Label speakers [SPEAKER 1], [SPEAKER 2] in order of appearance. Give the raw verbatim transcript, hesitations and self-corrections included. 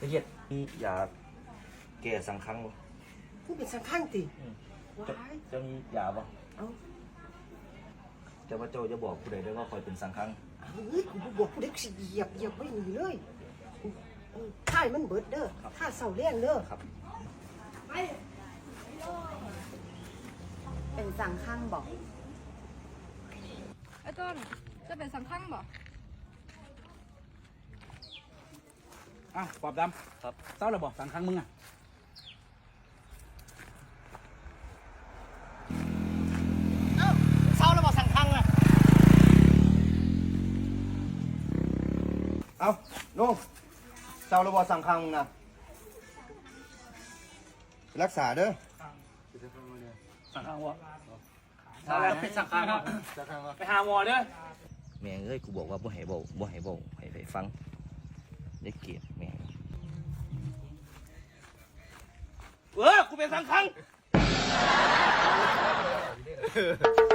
[SPEAKER 1] ละเอียดมียาแก้สังคังบ่
[SPEAKER 2] ผู้เป็นสังข้างติว้าย
[SPEAKER 1] จะมียาบ่
[SPEAKER 2] เอ้า
[SPEAKER 1] แต่ว่าเจ้าจะบอกผู้ใดได้ว่าคอยเป็นสังคัง
[SPEAKER 2] เฮ้ยกูบอกกูเด็กสิเหยียบเหยียบไม่หนีเลยท่ายมันเบิดเด้อท่าเสาเลี้ยงเด้อ
[SPEAKER 1] ครับ
[SPEAKER 3] เป็นสังข้างบอก
[SPEAKER 4] ไอ้ต้นจะเป็นสังขังบ่
[SPEAKER 5] อ้าวปอบดำ
[SPEAKER 1] ครับ
[SPEAKER 5] เศร้าเลยบอกสังครั้งมึงอ่ะ
[SPEAKER 2] เสาแล้วบอกสังข้างอ่ะ
[SPEAKER 6] เอาลุงเจ้าระบอสังคังนะรักษาเด้อ
[SPEAKER 5] สังครั้งวะ
[SPEAKER 1] ถ้า
[SPEAKER 5] เป็นสังครั้งวะไปหาหมอเด้อ
[SPEAKER 1] แม่งเอ้ยกูบอกว่าบ่ให้เว้าบ่ให้เว้าให้ไปฟังได้เกลียดแม่ง
[SPEAKER 5] เออกูเป็นสังครั้ง